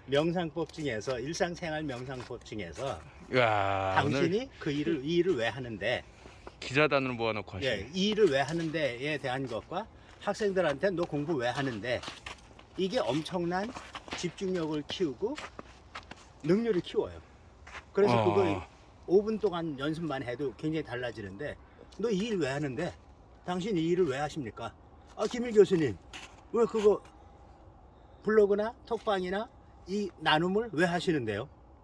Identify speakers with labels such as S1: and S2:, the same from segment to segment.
S1: 명상법 중에서 일상생활 명상법 중에서
S2: 야,
S1: 당신이
S2: 오늘
S1: 그 일을 이 일을 왜 하는데
S2: 기자단을 모아놓고 하시네.
S1: 예, 이 일을 왜 하는데에 대한 것과 학생들한테 너 공부 왜 하는데 이게 엄청난 집중력을 키우고 능률을 키워요. 그래서 그거 5분 동안 연습만 해도 굉장히 달라지는데 너 이 일 왜 하는데 당신 이 일을 왜 하십니까? 아, 김일 교수님 왜 그거 블로그나 톡방이나 이 나눔을 왜 하시는데요?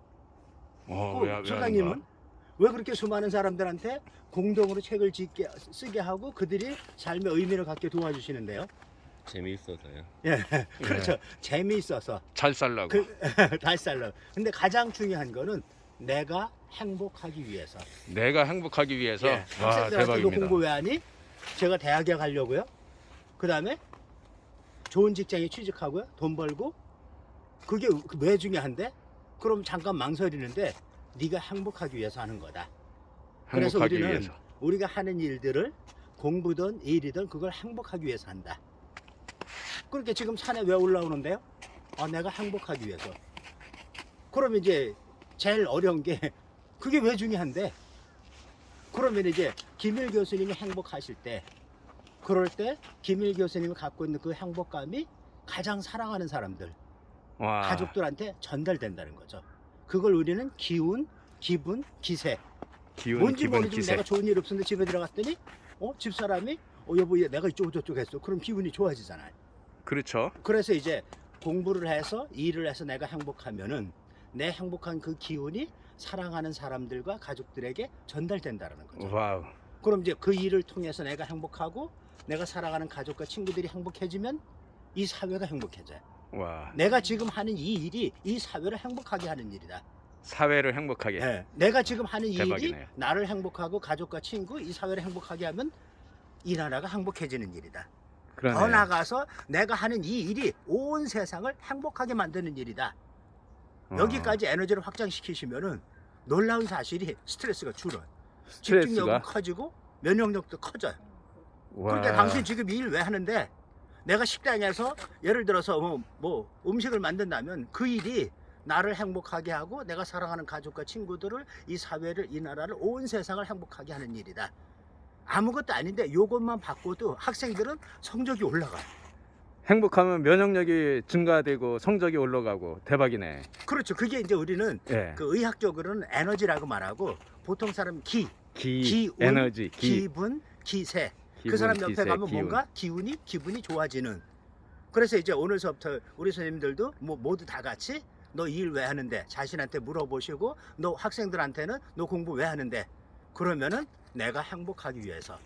S2: 왜 하는
S1: 소장님은
S2: 거야?
S1: 왜 그렇게 수많은 사람들한테 공동으로 책을 쓰게 하고 그들이 삶의 의미를 갖게 도와주시는데요?
S3: 재미있어서요.
S1: 예, 그렇죠. 재미있어서
S2: 잘 살라고.
S1: 달살러. 근데 가장 중요한 거는 내가 행복하기 위해서.
S2: 내가 행복하기 위해서.
S1: 예,
S2: 와,
S1: 학생들한테 너
S2: 대박입니다.
S1: 공부 왜 하니? 제가 대학에 가려고요. 그 다음에 좋은 직장에 취직하고요. 돈 벌고. 그게 왜 중요한데? 그럼 잠깐 망설이는데 네가 행복하기 위해서 하는 거다. 그래서
S2: 행복하기
S1: 우리는
S2: 위해서.
S1: 우리가 하는 일들을 공부든 일이든 그걸 행복하기 위해서 한다. 그렇게 지금 산에 왜 올라오는데요? 아, 내가 행복하기 위해서. 그러면 이제 제일 어려운 게 그게 왜 중요한데? 그러면 이제 김일 교수님이 행복하실 때 그럴 때 김일 교수님이 갖고 있는 그 행복감이 가장 사랑하는 사람들,
S2: 와,
S1: 가족들한테 전달된다는 거죠. 그걸 우리는 기운, 기분, 기세.
S2: 기운,
S1: 뭔지
S2: 기분,
S1: 모르지만
S2: 기세.
S1: 내가 좋은 일 없었는데 집에 들어갔더니 집사람이 여보 얘 내가 이쪽으로 저쪽 했어. 그럼 기분이 좋아지잖아요.
S2: 그렇죠.
S1: 그래서 이제 공부를 해서 일을 해서 내가 행복하면은 내 행복한 그 기운이 사랑하는 사람들과 가족들에게 전달된다는 거죠.
S2: 와우.
S1: 그럼 이제 그 일을 통해서 내가 행복하고 내가 사랑하는 가족과 친구들이 행복해지면 이 사회가 행복해져요.
S2: 와,
S1: 내가 지금 하는 이 일이 이 사회를 행복하게 하는 일이다.
S2: 사회를 행복하게.
S1: 예, 내가 지금 하는 이 일이
S2: 대박이네요.
S1: 나를 행복하고 가족과 친구, 이 사회를 행복하게 하면 이 나라가 행복해지는 일이다. 더
S2: 그러네요.
S1: 나아가서 내가 하는 이 일이 온 세상을 행복하게 만드는 일이다. 여기까지 에너지를 확장시키시면은 놀라운 사실이 스트레스가 줄어요. 집중력은
S2: 스트레스가.
S1: 커지고 면역력도 커져요.
S2: 와.
S1: 그러니까 당신 지금 이 일 왜 하는데 내가 식당에서 예를 들어서 뭐 음식을 만든다면 그 일이 나를 행복하게 하고 내가 사랑하는 가족과 친구들을 이 사회를 이 나라를 온 세상을 행복하게 하는 일이다. 아무것도 아닌데 요것만 바꿔도 학생들은 성적이 올라가요.
S2: 행복하면 면역력이 증가되고 성적이 올라가고 대박이네.
S1: 그렇죠. 그게 이제 우리는
S2: 예.
S1: 그 의학적으로는 에너지라고 말하고 보통 사람 기운,
S2: 에너지,
S1: 기분, 기세. 그
S2: 기분,
S1: 사람 옆에
S2: 기세,
S1: 가면
S2: 기운.
S1: 뭔가 기분이 좋아지는. 그래서 이제 오늘서부터 우리 선생님들도 모두 다 같이 너 일 왜 하는데 자신한테 물어보시고 너 학생들한테는 너 공부 왜 하는데 그러면은 내가 행복하기 위해서.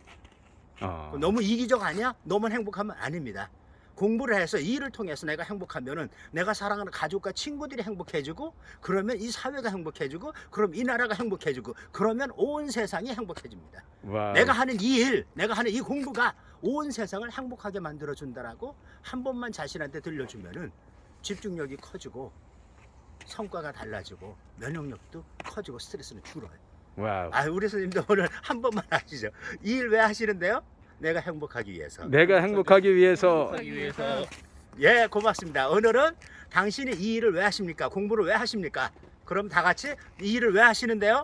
S1: 너무 이기적 아니야? 너만 행복하면 아닙니다. 공부를 해서 이 일을 통해서 내가 행복하면은 내가 사랑하는 가족과 친구들이 행복해지고 그러면 이 사회가 행복해지고 그럼 이 나라가 행복해지고 그러면 온 세상이 행복해집니다.
S2: 와.
S1: 내가 하는 이 일, 내가 하는 이 공부가 온 세상을 행복하게 만들어준다라고 한 번만 자신한테 들려주면은 집중력이 커지고 성과가 달라지고 면역력도 커지고 스트레스는 줄어요.
S2: 와우.
S1: 아, 우리 선생님도 오늘 한 번만 하시죠. 이 일 왜 하시는데요? 내가 행복하기 위해서.
S2: 내가 행복하기 위해서.
S3: 하기 위해서
S1: 예, 고맙습니다. 오늘은 당신이 이 일을 왜 하십니까? 공부를 왜 하십니까? 그럼 다 같이 이 일을 왜 하시는데요?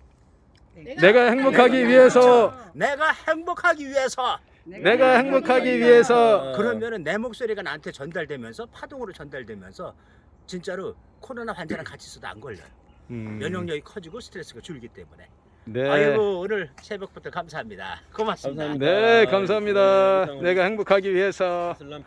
S2: 내가 행복하기 위해서.
S1: 내가 행복하기 위해서.
S2: 내가 행복하기 위해서.
S1: 그러면은 내 목소리가 나한테 전달되면서 파동으로 전달되면서 진짜로 코로나 환자랑 같이 있어도 안 걸려요. 면역력이 커지고 스트레스가 줄기 때문에.
S2: 네.
S1: 아이고 오늘 새벽부터 감사합니다. 고맙습니다.
S3: 감사합니다.
S2: 네, 감사합니다.
S3: 네,
S2: 내가 행복하기 위해서.
S3: 슬람